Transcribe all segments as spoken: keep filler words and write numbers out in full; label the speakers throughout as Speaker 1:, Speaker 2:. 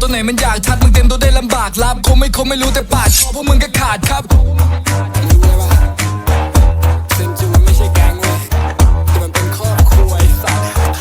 Speaker 1: ตัวไหนมันอยากชัดมึงเต็มตัวได้ลำบากรับคงไม่คงไม่รู้แต่ปากพวกมึงก็ขาดครับเซนจูมันไม่ใช่แก๊งเว้ยแต่มันเป็นครอบครัวไอ้สัส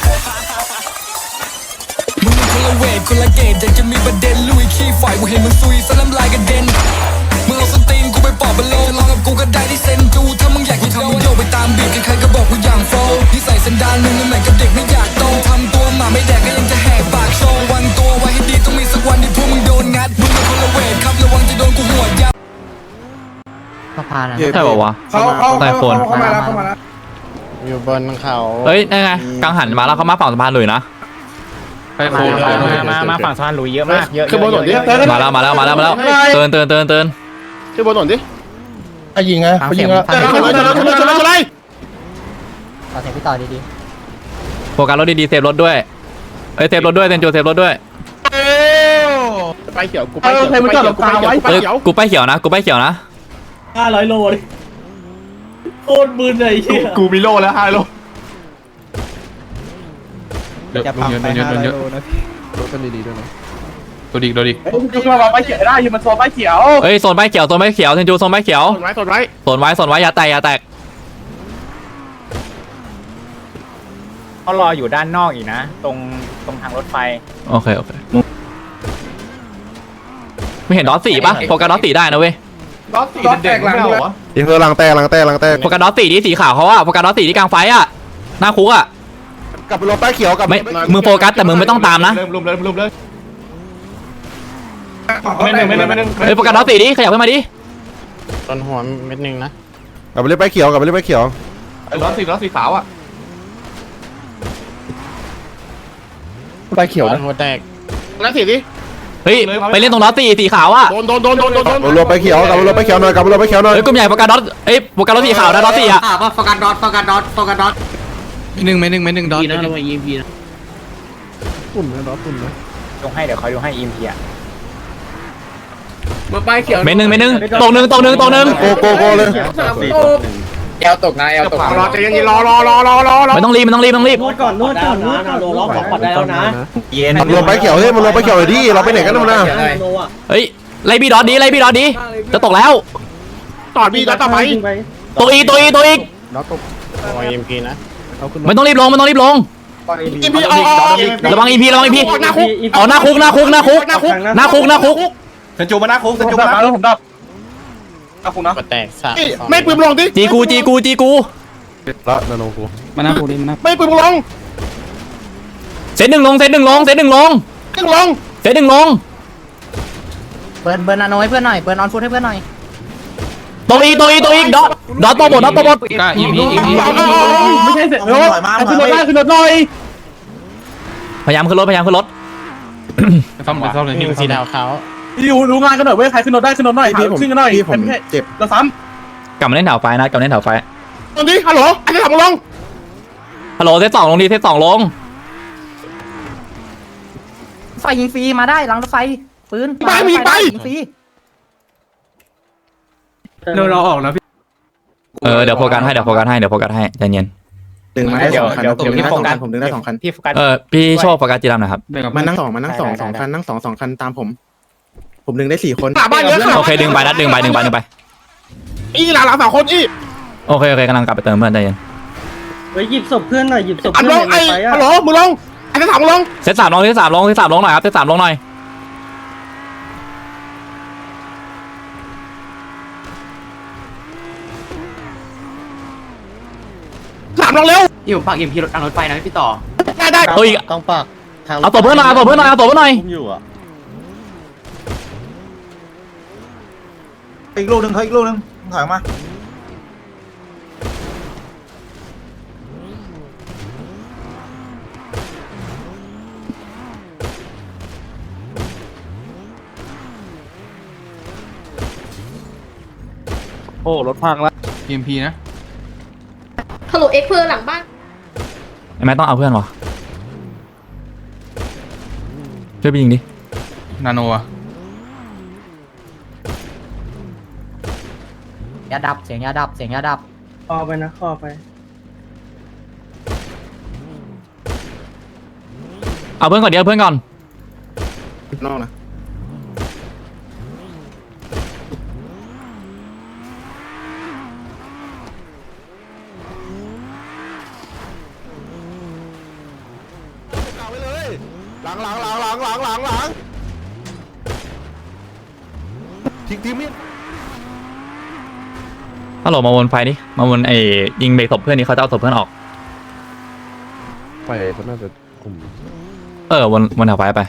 Speaker 1: มึงมันคนละเวทคนละเกตอยากจะมีประเด็นลุยขี้ฝ่ายกูเห็นมึงซุยสลัมลายกระเด็นมึงเอาสตีนกูไปปอบบอลโลลองกับกูก็ได้ที่เซนจูถ้ามึงอยากกูทำมึงโยกไปตามบีทใครๆก็บอกกูอย่างโฟล์นิสัยสันดานมึงเหมือนกับเด็กไม่อยากโตทำตัวหมาไม่แดกก็ยังจะแหกปากโชว์วันตัวไว้ให้ดีต้องมีสักวันที่พวกมึงโดนงัดมึงเป็นคนละเวทครับระวังจะโดนกูหัวยับ
Speaker 2: สะพานนะ
Speaker 3: ใช่ป่าวะ
Speaker 4: เขาเขา
Speaker 3: ใต้โฟน
Speaker 4: เขามาแล้วเขามาแล้ว
Speaker 5: อยู่บนเขา
Speaker 3: เฮ้ยนี่ไงกังหันมาแล้วเขามาฝั่งสะพานเลยนะ
Speaker 2: ไปมามามาฝั่งสะพานหลุยเยอะมากเยอะ
Speaker 5: ขึ้นบนหน่อยดิ
Speaker 3: มาแล้วมาแล้วมาแล้วมาแล้วเตือนเตือนเตือนเตือน
Speaker 5: ขึ้นบนหน่อยดิ
Speaker 4: ไอ้ยิงไงเขายิงแล้ว
Speaker 5: ชนเลยชนเลยชนเลยชนเลยชนเลย
Speaker 2: ต่อเสียงพี่ต่อดี
Speaker 3: โฟกัสรถดีๆเซฟรถด้วยเอ้ยเซฟรถด้วยเซนจูเซฟรถด้วย
Speaker 5: ไปเขียวกูไปเขียวกูไปเขียวกูไปเขียว
Speaker 3: เอ้ยกูไปเขียวนะกูไปเขียวนะ
Speaker 6: ห้าร้อยโลเลยโคตรมึนเลยเฮีย
Speaker 5: กูมีโลแล้วห้าโล
Speaker 2: จะปังไปห้าร้อยโลนะ
Speaker 4: รถกันดีๆด้วยนะ
Speaker 3: โดดิกโดดิก
Speaker 4: ยิงมาไปเขียวได้ยิงมันโซนไปเขียว
Speaker 3: เอ้ยโซนใบเขียวโซนใบเขียวเซนจูโซนใบเขียว
Speaker 5: สนไว้สนไว้
Speaker 3: โซนไว้โซนไว้อย่าแตกอย่าแตก
Speaker 2: เขารออยู่ด้านนอกอีกนะตรงตรงทางรถไฟ
Speaker 3: โอเคโอเคไม่เห็นดอทสี่ปะโฟกัสดอทสี่ได้นะเว้ย
Speaker 4: รถรถแตกหลังด้วย
Speaker 5: อีเธอลังแตกลังแตกลังแตก
Speaker 3: โฟกัสดอทสี่ที่สีขาวเขาอะโฟกัสดอทสี่ที่กลางไฟอะหน้าคุกอะ
Speaker 5: กลับไปรถป้ายเขียวกลับ
Speaker 3: ไม่มึงโฟกัสแต่มึงไม่ต้องตามนะ
Speaker 5: เริ่มรุมเลยรุมเลย
Speaker 4: ไม่หนึ่งไม่หนึ่งไม่หนึ่ง
Speaker 3: เฮ้ยโฟกัสดอทสี่ดิขยับขึ้นมาดิ
Speaker 5: ตอนหัวเม็ดนึงนะกลับไปเล่นป้ายเขียวกลับไปเล่นป้ายเขียว
Speaker 4: รถสีรถสีขาวอ่ะไปเขียวนะ
Speaker 5: หัวแตกแล้วสีดิ
Speaker 3: เฮ้ยไปเล่นตรงดอทสี่สีขาวอะ
Speaker 5: โดนโดนโดนโดนโดนโดนรถป้ายเขียวกลับไปรถป้ายเขียวหน่อยกลับไปรถป้ายเขียวหน่อย
Speaker 3: เฮ้ยกลุ่มใหญ่โฟกัสดอทเอ้ยโฟกัสดอทสีขาวนะดอทสี่อะ
Speaker 2: ว่าโฟกัสดอทโฟกัสดอทโฟกัสดอท
Speaker 3: หนึ่งไม่หนึ่งไม่หนึ่งดอท
Speaker 6: นะระวังยิงพีนะ
Speaker 4: ปุ่นนะรถปุ่นนะ
Speaker 2: ลงให้เดี๋ยวเขาลงให้อิมพีอะ
Speaker 6: มาป้ายเขียว
Speaker 3: ไม่หนึ่งไม่หนึ่งตรงหนึ่งตรงหนึ่งตรงหนึ่ง
Speaker 5: โกโกโกเลย
Speaker 6: สามโต
Speaker 2: แอลตกนะแอลตก
Speaker 5: รอใจเย็นรอรอรอรอรอรอ
Speaker 3: ไม่ต้องรีบไม่ต้องรีบไม่ต้องรีบ
Speaker 6: นวดก่อนนวดก่อนนวดก่อนโลล็อกของก่อนได้แล้วนะ
Speaker 2: เย็น
Speaker 5: มันรวมป้ายเขียวเฮ้ยมันรวมป้ายเขียวเลยดิเราไปไหนกันนะ
Speaker 6: โลอ่ะ
Speaker 3: เฮ้ยไล่บีดอทดีไล่บีดอทดีจะตกแล้ว
Speaker 5: ต่อบีแล้วต่อไป
Speaker 3: ตัวอีตัวอีตัวอี
Speaker 5: โอ้ยเอ็มพีนะ
Speaker 3: ไม่ต้องรีบลงไม่ต้องรีบลง
Speaker 5: เอ็มพีเอา
Speaker 3: ระวังอีพีระวังอีพี
Speaker 5: หน้าคุก
Speaker 3: อ๋อหน้าคุกหน้าคุกหน้าคุก
Speaker 5: หน้าคุก
Speaker 3: หน้าคุกหน้าคุก
Speaker 4: เซนจูมาหน้าคุกเซนจูมาหน้าคุกผมดับหน้าคุกนะ
Speaker 5: แตกสามไม่ปืนลงดิ
Speaker 3: จีกูจีกูจีกู
Speaker 5: ละนาโนกู
Speaker 4: มาหน้าคุกนี่มาหน้า
Speaker 5: ไม่ปืนลง
Speaker 3: เซตหนึ่งลงเซตหนึ่งลงเซตหนึ่งลง
Speaker 5: ตึ้งลง
Speaker 3: เซตหนึ่งลง
Speaker 2: เบิร์นเบิร์นนาโนให้เพื่อนหน่อยเบิร์นออนฟุตให้เพื่อนหน่อย
Speaker 3: ตัวอีตัวอีตัวอีดอทดอทตัวบดดอทตัวบด
Speaker 4: อีพีอีพี
Speaker 6: ไม่ใช่เสร็จแล้วขึ้นรถได้ขึ้นรถหน่อย
Speaker 3: พยายามขึ้นรถพยายามขึ้นรถ
Speaker 4: ซ่อมซ่อมเลย
Speaker 5: มีสีดาวเขา
Speaker 6: อยู่รู้งานกันหน่อยเว้ยใครขึ้นรถได้ขึ้นรถหน่อยขึ้นกันหน่อย
Speaker 5: พี่ผมเจ็บ
Speaker 6: เราซ้
Speaker 3: กลับมาเล่นแถวไฟนะกลับมาเล่นแถวไฟ
Speaker 5: ตอนนี้ฮัลโหลไอ้ที่ทำลง
Speaker 3: ฮัลโหลเซตสองลงดีเซตสองลง
Speaker 2: ไฟยิงฟรีมาได้หลังรถไฟปืนยิงฟรี
Speaker 6: เราเราออกนะพี่
Speaker 3: เออเดี๋ยวโฟกัสให้เดี๋ยวโฟกัสให้เดี๋ยวโฟกัสให้ใจเย็น
Speaker 5: ดึงมาได้
Speaker 2: เดี๋
Speaker 5: ส
Speaker 2: ยว
Speaker 5: องคัน
Speaker 2: เดี๋ยวเดี๋ยวพี่โฟกัส
Speaker 5: ผมดึงได้สองคัน
Speaker 2: พี่โฟกัส
Speaker 3: เออพี่โชคโฟกัสจีรัมนะครับ
Speaker 5: มานั่งสองมานั่งสองสองคันนั่งสองสองคันตามผม ผมดึงได้สี่คนบ้านเยอะ
Speaker 3: โอเคดึงไปนัดดึงไปดึงไปดึงไป
Speaker 5: อีหลานหลานสองคนอี
Speaker 3: โอเคโอเคกำลังกลับไปเติมเพื่อนใจเย็น
Speaker 6: ไปหยิบศพเพื่อนหน่อยหยิบศพ
Speaker 5: อัน
Speaker 6: เพื่
Speaker 5: ล
Speaker 6: อน
Speaker 5: งไอ้ฮัลโหลมึงลงไอ้ที่ถามมึงลง
Speaker 3: เซตสามลงเซตสามลงเซตสามลงหน่อยครับเซตสามลงหน่อย
Speaker 5: ถามลงเร็ว
Speaker 2: อยู่ปากอิมพีรถทางรถไฟนะพี่ต่อ
Speaker 5: ได้ได้
Speaker 3: ตัวอีก
Speaker 4: ต้องปากทาง
Speaker 3: เอาตัวเพื่อนหน่อยเอาตัวเพื่อนหน่อยเอาตัวเพื่อนหน่อย
Speaker 4: อยู่อ่ะ
Speaker 7: อีกลูกหนึ่งเขาอีกลูกหนึ่งถอยมาโอ้รถพังแล้ว
Speaker 4: เอ็มพีนะ
Speaker 8: ฮัลโหลเอ็กเพอร์หลังบ้าน
Speaker 3: ไอ้แม่ต้องเอาเพื่อนวะช่วยไปยิงดิ
Speaker 4: นาโนอ่ะ
Speaker 2: ยาดับเสียงยาดับเสียงยาดับ
Speaker 6: คอไปนะคอไป
Speaker 3: เอาเพื่อนก่อนเดี๋ยวเอาเพื่อนก่อน
Speaker 5: นอกนะ
Speaker 4: หลังหลังหลังหลังหลังหลังหลังทิ้งทิ้งมีด
Speaker 3: ฮัลโหลมาวนไฟดิมาวนไอ้ยิงเบรกศพเพื่อนนี่เขาจะเอาศพเพื่อนออก
Speaker 9: ไปเขาน่าจะคุม
Speaker 3: เออวนวนแถวไฟไป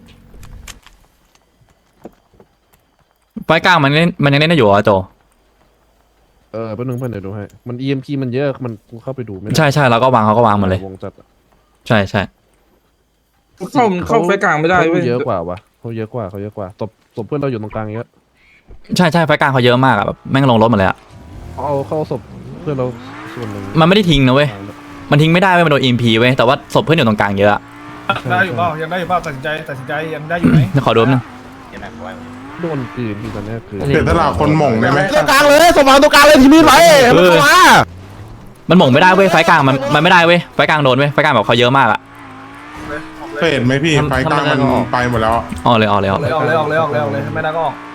Speaker 3: ไฟกลางมันเล่นมันยังเล่นได้อยู่เหรอโจ
Speaker 9: เออแป๊บนึงเพื่อนเดี๋ยวดูให้มัน อี เอ็ม พี มันเยอะมันเข้าไปดูไม่ได้
Speaker 3: ใช่ใช่แล้วก็วางเขาก็วางหมดเลยว
Speaker 9: งจัด
Speaker 3: ใช่ใช่
Speaker 7: เข้าเข้าไฟกลางไม่ได้
Speaker 9: เขา
Speaker 7: เว้ย
Speaker 9: เยอะกว่าวะเขาเยอะกว่าเขาเยอะกว่าตบตบเพื่อนเราอยู่ตรงกลางเยอะ
Speaker 3: ใช่ใช่ไฟกลางเขาเยอะมากอะแบบแม่งลงรถหมดเลยอะ
Speaker 9: เอาเข้าศพเพื่อนเราส่วนหนึ่ง
Speaker 3: มันไม่ได้ทิ้งนะเว้ยมันทิ้งไม่ได้เว้ยมันโดน อี เอ็ม พี เว้ยแต่ว่าศพเพื่อนอยู่ตรงกลางเยอะอะ
Speaker 7: ได้อยู่เปล่ายังได้อยู่เปล่าตัดสินใจตัดสินใจยังได้อยู่ไหม
Speaker 3: เดี๋ยวขอดูแป๊บนึง
Speaker 9: โดนปืนที่ตอนนี้คือ
Speaker 5: เสียสละคนหม่งได้ไหม
Speaker 4: ตรงกลางเลยสมองตรงกลางเลยทีมีดไว้มันเข้ามา
Speaker 3: มันหม่งไม่ได้เว้ยไฟกลางมันมันไม่ได้เว้ยไฟกลางโดนเว้ยไฟกลางแบบเขาเยอะมากอะ
Speaker 5: เคยเห็นไหมพี่ไฟตั้งมันไปหมดแล้ว
Speaker 3: ออกเลยออกเลยออก
Speaker 7: เล
Speaker 3: เลย ย
Speaker 7: ออกเลยออกเลยออกเลยออกเลยไม่ได้ก็ออก